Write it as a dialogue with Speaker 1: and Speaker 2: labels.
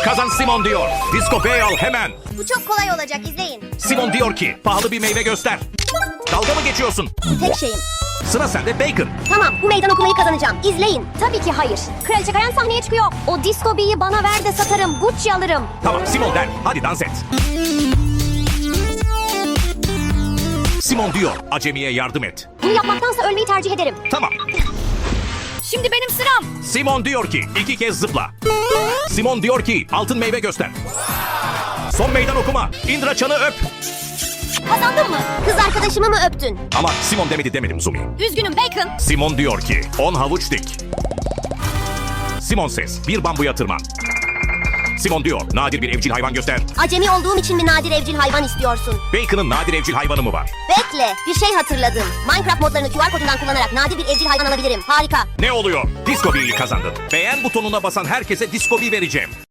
Speaker 1: Kazan Simon diyor. Disco Bey al hemen.
Speaker 2: Bu çok kolay olacak, izleyin.
Speaker 1: Simon diyor ki pahalı bir meyve göster. Dalga mı geçiyorsun?
Speaker 2: Tek şeyim.
Speaker 1: Sıra sende Bacon.
Speaker 2: Tamam, bu meydan okumayı kazanacağım. İzleyin.
Speaker 3: Tabii ki hayır. Kraliçe Kayan sahneye çıkıyor. O disco bee'yi bana ver de satarım. Gucci alırım.
Speaker 1: Tamam Simon der. Hadi dans et. Simon diyor acemiye yardım et.
Speaker 3: Bunu yapmaktansa ölmeyi tercih ederim.
Speaker 1: Tamam.
Speaker 3: Şimdi benim sıram.
Speaker 1: Simon diyor ki 2 kez zıpla. Simon diyor ki altın meyve göster. Son meydan okuma. Indra Çan'ı öp.
Speaker 3: Kazandın mı?
Speaker 2: Kız arkadaşımı mı öptün?
Speaker 1: Ama Simon demedim Zumi.
Speaker 3: Üzgünüm Bacon.
Speaker 1: Simon diyor ki 10 havuç dik. Simon ses bir bambuya tırman. Simon diyor nadir bir evcil hayvan göster.
Speaker 2: Acemi olduğum için mi nadir evcil hayvan istiyorsun?
Speaker 1: Bacon'ın nadir evcil hayvanı mı var?
Speaker 2: Bekle, bir şey hatırladım. Minecraft modlarını QR kodundan kullanarak nadir bir evcil hayvan alabilirim. Harika.
Speaker 1: Ne oluyor? Disco Bee'yi kazandın. Beğen butonuna basan herkese Disco Bee vereceğim.